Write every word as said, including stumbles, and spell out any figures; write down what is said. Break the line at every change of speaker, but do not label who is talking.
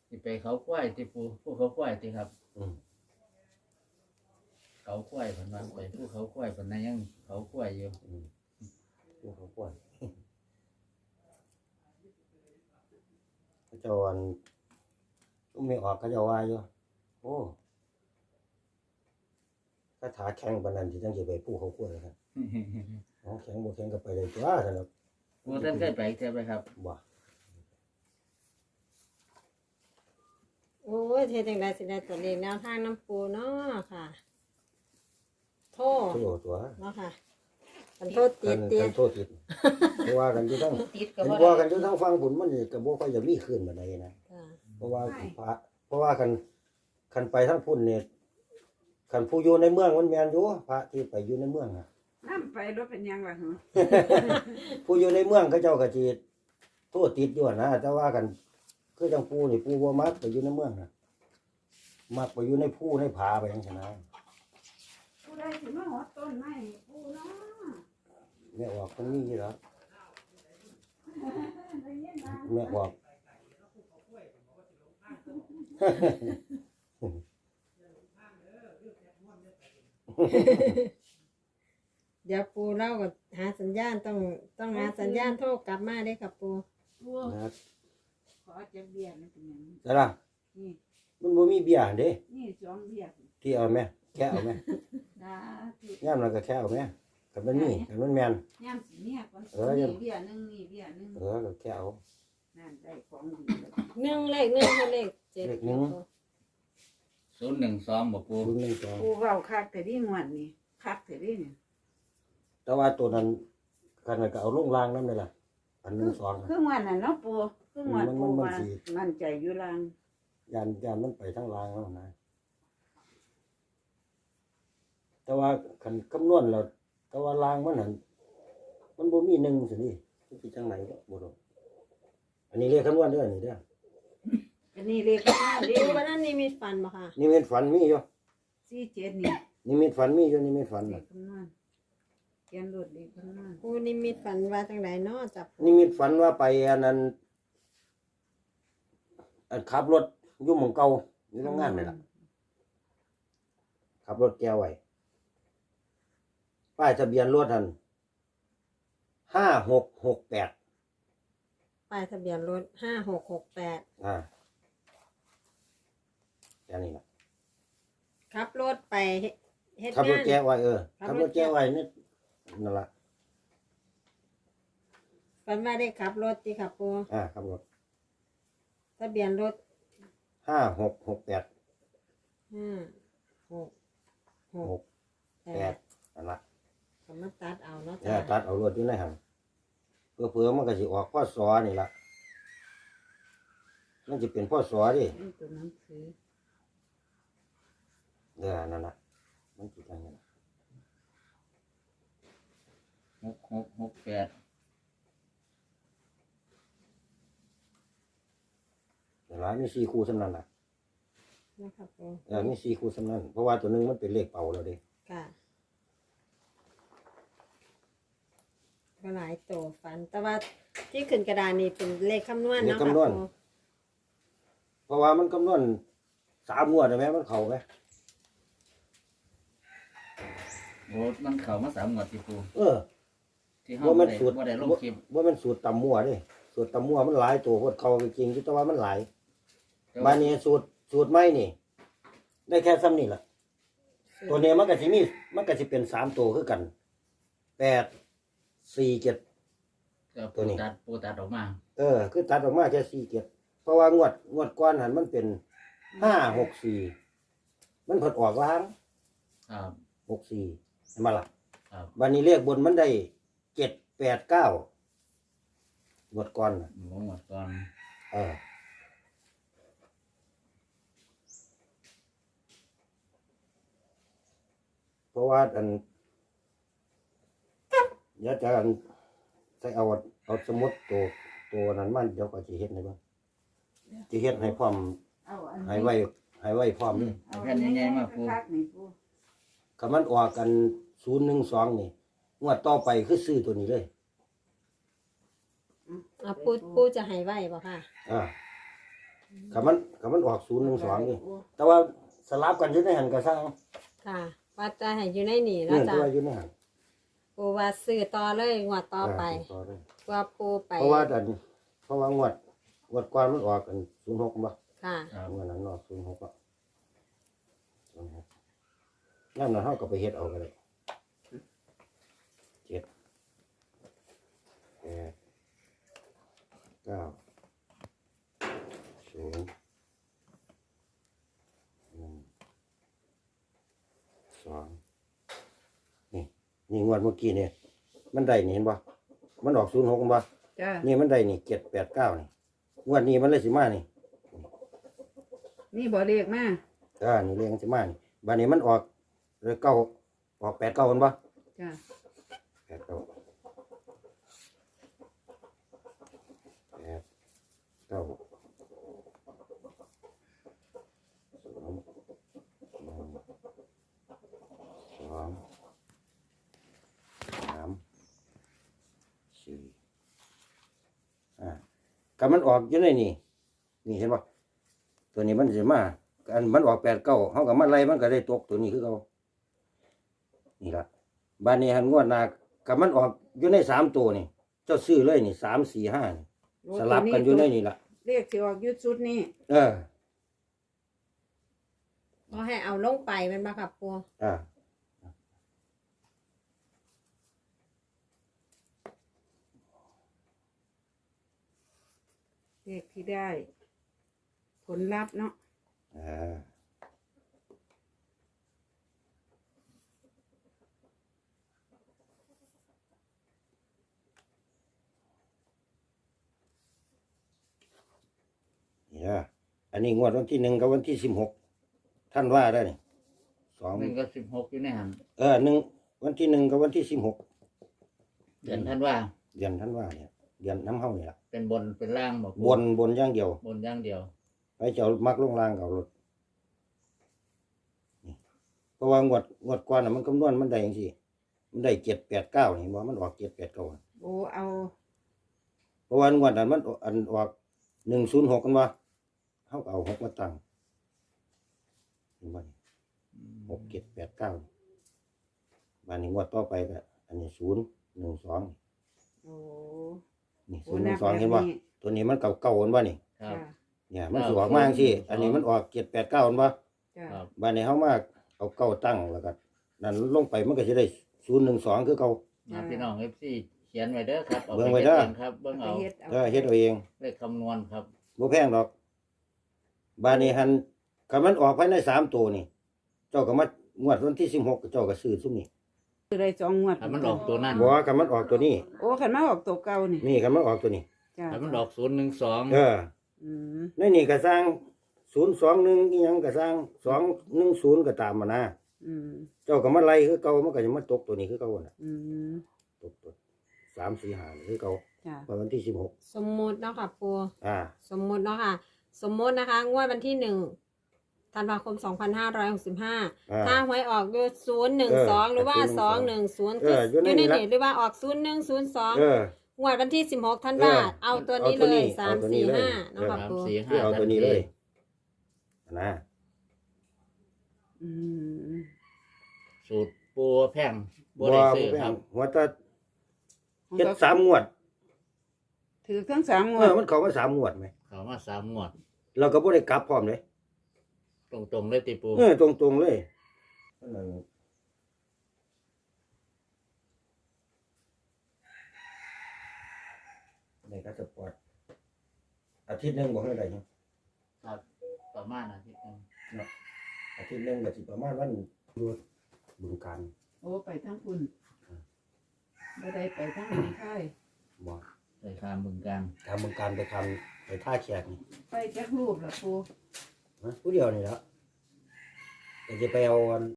ที่ไปเขาควายที่ปูผู้เขาควายที่ครับ
อืม
เขาควายผนว่าไปผู้เขาควายผนนั้นยังเขาควายอยู่
อืมผู้เขาป่วยเขาเจ้าอันไม่ออกเขาเจ้าว่าอยู่โอ้คาถาแข็งปานนั้นที่จังสิไปผู้เขาป่วยครับอ๋อแข็งบ่แข็งก็ไปได้ตัวซั่นน่ะ
ปูท่านเคยไปเที่ยวไปครับ
บ่
โอ้ยเทจังไดสิได้ตัวเลขแนวทางน้ำปูเนาะค่ะ โทษ
โทษตัว
เนาะค่ะกันโทษติดเตีย
กันโทษติดเพราะว่ากันอยู่ทั้ง
ติดก็
เห็น
บ่
ว่า
ได้
กันอยู่ทั้งฟังผลมันนี่ก็บ่ค่อยจะมีขึ้นปานใดนะ
ค่ะ
เพราะว่าพระเพราะว่าคันคันไปทั้งพุ่นเนี่ยคันผู้อยู่ในเมืองมันแม่นอยู่พระที่ไปอยู่ในเมืองน่ะ
น้ำไปรถเป็นยังล่ะหรอ
ผู้อยู่ในเมืองเขาเจ้าก็สิโทษติดอยู่นะแต่ว่ากันคือจังปู่นี่ปู่บ่มักไปอยู่ในเมืองน่ะมักไปอยู่ในภูในผาไปจังซี่นะ
ผู้ใดสิมาหดต้นไม้ผู้เนาะ
แม่ออกคนนี้อยู่แล้ว
ได้ยินบ้าง
แม่ออก
เดี๋ยวปูเล่ากับหาสัญญาณต้องต้องหาสัญญาณโทรกลับมาได้ค่ะปู
ผู้
นะ
ขอจักเบี้ยนี่เป็นหยัง
แต่ล่ะ
นี่
มันบ่มีเบียร์เด้
นี่สองเบี้ย
ที่เอาแม่แค่เอาแม่
ดาที่
ย่ามนั้นก็แค่เอาแม่คันมันมีคันมันแม่น
ย่ำสิเนี่ยก่อน
เออยั
นี่
ง
เบี้ยหนึงนี่เบี้ยหนึง
เออก็แค่เอา
นั่นได้ของดีแล้ว
หนึ่งเลขหนึ่งคือเลขเจ็ด
เลขหนึ่ง
ศูนย์หนึ่งสองบอกปู
รุ่นหนึ่งสอง
ผู้เว้าคักแต่ดีงวดนี่คักแต่ดีนี่
แต่ว่าตัวนั้นคันนั้นก็เอาลงรางนั่นเลยล่ะอันหนึ่งสอง
คืองวดน่ะเนาะปู่คืองวด
มัน
ปู่
มัน
ว่า
สิ
มั่นใจอยู่ลาง
ยานยานมันไปทั้งรางแล้วนะแต่ว่าคันคำนวณแล้วแต่ว่ารางมันหันมันบ่มีหนึ่งสินี่มันสิจังไหนก็บ่รู้อันนี้เรียกคำนวณเด้อนี่เด้อ
อันนี้เลขข้างหน้าดิ
ปูวันนั้นนี่มีฟันบ่ค่ะ
นี่มีฝันมีอยู่
สี่เจ็ดนี่
นี่มีฝันมีอยู่นี่มีฝัน
เล
น่ะ
ขคำนวณเขียนรถเลขคำนวณ
ปูนิมิตฝันว่าจังไดเนาะจับ
นี่มีฝันว่าไปอันนั้นอันขับรถอยู่หม่องเก่าอยู่โรงงานนี่ล่ะขับรถแก้วไว้ป้ายทะเบียนรถหันห้าหกหกแปด
ป้ายทะเบียนรถห้าหกหกแปด
อ่าแค่นี้ล่ะ
ขับรถไปเฮ็ดเฮ็ด
ขับรถ
งาน
แก้ไว้เออ
ขั
ขั
บบ ร
ร
ถ
ถ
แก้
แก้ไว้นี่นั่นล่ะ
ฝันว่าได้ขับรถติค่ะปู
อ่าขับรถ
ทะเบียนรถ
ห้าหกหกแปด
ห้าหกห
ห
ก
ก
แป
แป
ด
ดนั่นล่ะ
ก็มาตัดเอาเนาะ
แล้
จ้ะ
วตัดเอารถอยู่ในหันเพื่อเพื่อมันก็สิออกพ่อสอนี่ล่ะมันจะเป็นพ่อสอดิ
นี่ตัวหนังสือ
เออนั่นล่ะมันสิจังนั้น
หกหกหกแปด
แต่หลายมีสี่คู่สำนั้นล่ะ
นะครับปู
เออมีสี่คู่สำนั้นเพราะว่าตัวหนึงมันเป็นเลขเป่าแล้วเด้
ค่ะก็หลายโตฝัน แต่ว่าที่ขึ้นกระดานนี่เป็นเลขคำนวณเนาะค่ะปู
เพราะว่ามันคำนวณสามงวดได้ไหมมันเข้าไหม
โอ้มันเข่ามาสามงวดที่ปู
เออ
ที่ห้อ
ว่าง มัน
ได้
สูตร
ว่าได้ลงคลิป
ว่ามันสูตรตำมั่วเด้สูตรตำมั่วมันหลายตัวโคตรเขาจริงๆแต่ว่ามันหลาย
แต่
บา
ว่า
นี้สูตรสูตรไม่นี่ ได้แค่ซ้ำนี่แหละตัวเนี้ยมันก็สิมีมันก็สิเป็นสามตัวคือกันแปดสี่เจ็ด
แต่ปูตัดปูตัดออกมา
เออ คือตัดออกมาแค่สี่เจ็ดเพราะว่างวดงวดก้อนหันมันเป็นห้าหกสี่มันผดออกล้าง
ครับ
หกสี่เห็นไหมล่ะ
ครับ
บานนี้เลขบนมันได้เจ็ดแปดเก้างวดก้อนน่ะ
หมงวดก่อน
เออเพราะว่าอันเดี๋ยวจะอันใส่เอาเอาสมุดตัวตัวนั้นมันเดี๋ยวก็จะเฮ็ดให้บ้างจะเฮ็ดให้พร้อม
เอาอัน
ให้
นี้
ไว้ให้ไว้พร้อมนี่
เอาอันนี้มาปูคักนี่ปู
คำมันออกกันศูนย์หนึ่งสองนี่งวดต่อไปคือซื้อตัวนี้เลย
อ่ะปูปูจะให้ไว้บ่ค่ะ
อ่าคันมันคันมันออกศูนย์หนึ่งสองนี่แต่ว่าสลับกันอยู่ในหันก็สร้าง
ค่ะว่าจะให้อยู่ในนี่แล้
เนี่
วย จ้ะ
ตัวอยู่ในหัน
ปูว่าซื้อต่อเลยงวดต่อไป
เต่อเลย
ว่าปูไป
เพราะว่าอันเพราะว่างวดงวดก่อนมันออกกันศูนย์หกบ่
ค่ะ
ครับ
งวดนั้นออกศูนย์หกอ่ะศูนย์หกนั่นน่ะเฮาก็ไปเฮ็ดเอาก็ได้เจ็ดแปดเก้าศูนย์หนึ่งสองนี่นี่งวดเมื่อกี้เนี่ยมันได้นี่เห็นบ่มันออกศูนย์หกบ่
จ้า
นี่มันได้นี่เจ็ดแปดเก้านี่งวดนี้มันเลยสิมานี่
นี่บ่เรียกมา
อ่านี่เรียงสิมานี่บัดนี้มันออกเลยเก้าออกแปดเก้ามันบ่
จ้า
แปดเก้าแปดเก้าสองหนึ่งสองสามสี่อ่าก็มันออกอยู่ในนี่นี่เห็นป่ะตัวนี้มันสิมาอันมันออกแปดเก้าเขากับมันไล่มันก็ได้ตกตัวนี้คือเขานี่ละบ้านนี้หันงวดหนากับมันออกอยู่ในสามตัวนี่ เจ้าซื้อเลยนี่สามสี่ห้านี่สลับกันอยู่ในนี่ละ
เรียกสิออกยุดชุดนี้
เออ
ก็ให้เอาลงไปเป็นบ่ครับปู
อ่า
เรียกที่ได้ ผลลัพธ์เนาะ
อ่านี่นะอันนี้งวดวันที่หนึ่งกับวันที่สิบหกท่านว่าได้นี่สอง
หนึ่งกับสิบหกอยู่ในหัน
เออหนึ่งวันที่หนึ่งกับวันที่สิบหก
เดือนท่านว่า
เดือนท่านว่าเนี่ยเดือนน้ำเฮานี่ละ
เป็นบนเป็นล่างบอก
บนบนอย่างเดียว
บนอย่างเดียว
ไปเจ้ามักลงล่างกับรถนี่เพราะว่างวดงวดก่อนน่ะมันคำนวณมันได้ยังสิมันได้เจ็ดแปดเก้านี่บ่มันออกเจ็ดแปดเก้า
โอ้เอา
เพราะว่างวดนั้นมันอันออกหนึ่งศูนย์หกกันว่าเขาก็เอาหกมาตั้งเห็นบ่นี่หกเจ็ดแปดเก้าบานนี้งวดต่อไปก็อันนี้ศูนย์หนึ่งสอง
โอ้
นี่
โอ้
ศูนย์ห
นั
นึ่
บ
งสอง
แบบ
เห็นบ่
นี้
ตัวนี้มันเก่าเก่ากันบ่นี่
ครับ
จ้า
เนี่ยมันสิออกมาจังซี่อันนี้มันออกเจ็ดแปดเก้ากันบ่
จ้า
ครับ
บานนี้เขามาเอาเก้าตั้งแล้วก็นั่นลงไปมันก็จะได้ศูนย์หนึ่งสองคือเก่า
มาพี่น้องเอฟซีเขียนไว้เด้อครับเอา
เบิ่
ไป
งไว้
เฮ็ด
เด้อ
เองครับเบิ่ง
ไป
เอา
เฮ็ดเอา
เออเฮ็ดเอาเอง
เลขคำนวณครับ
บ่แพงดอกบานนี้หันคันมันออกภายในสามตัวนี่ เจ้าก็มางวดวันที่สิบหกเจ้าก็ซื้อซุมนี่
คือได้สองงวด
ถ้ามันออกตัวนั้น
บ่ว่าคันมันออกตัวนี้
โอ้ขันมาออกตัวเก่านี่
นี่คันมันออกตัวนี้
จ้า
ถ้ามันออกศูนย์หนึ่งสอง
เออ
อืม
ในนี่ก็สร้างศูนย์สองหนึ่งอีหยังก็สร้างสองหนึ่งศูนย์ก็ตามมานะ
อืม
เจ้าก็มาไล่คือเก่ามันก็จะมาตกตัวนี้คือเก่าน่ะ
อืม
ตกตัวสามสี่ห้าคือเก่า
จ้า
วันที่สิบหก
สมมุติเนาะค่ะปู
อ่า
สมมุติเนาะค่ะ สมมุตินะคะ งวดวันที่หนึ่งธันวาคมสองพันห้าร้อยหกสิบห้า
อ่า
ถ้าหวยออกอยู่ศูนย์หนึ่งสองหรือว่าสองหนึ่งศูนย์
เอออยู่
อ
ใน
ยู่ใน
นี้ละ
นี่หรือว่าออกศูนย์หนึ่งศูนย์สอง
เออ
งวดวันที่สิบหกธัน
เอ
วา
อ
เอาตัวนี้
เอาตัว
เล
นี้
ยสาม
เอาตัวนี้
สี่
เลย
ห้าเนาะค่ะ
สาม
ปู
สี่ห้า
คือเอาตัวนี้เลยนะ
อืม
สูตรปูแพงบั
บ่
วได้
บ่
ซื้อ
แพ
ครั
ง
บ
หัวตาเฮ็ดสามงวด
ถือทั้งสามง
เอ
วด
อมันเข้ามาสามงวดไหม
เขามาสามงวด
เราก็บ่ได้กลับพร้อมเลย
ตรงๆเลยติปู
เออตรงๆเลยในกัสปอร์ตอาทิตย์หนึงบ่ให้ได้หยัง
ครับประมาณอาทิตย์หนึง
อาทิตย์หนึงก็สิประมาณวันรวดบึงการ
โอ้ไปทั้งคุณบ่ได้ไปทั้งหนองคาย
บ่
ไปคามบึงการ
ทำบึงการไปทำไปท่าแขกนี่
ไปจักรูปละปู
นะผู้เดียวนี่แหละก็จะไปเอาอัน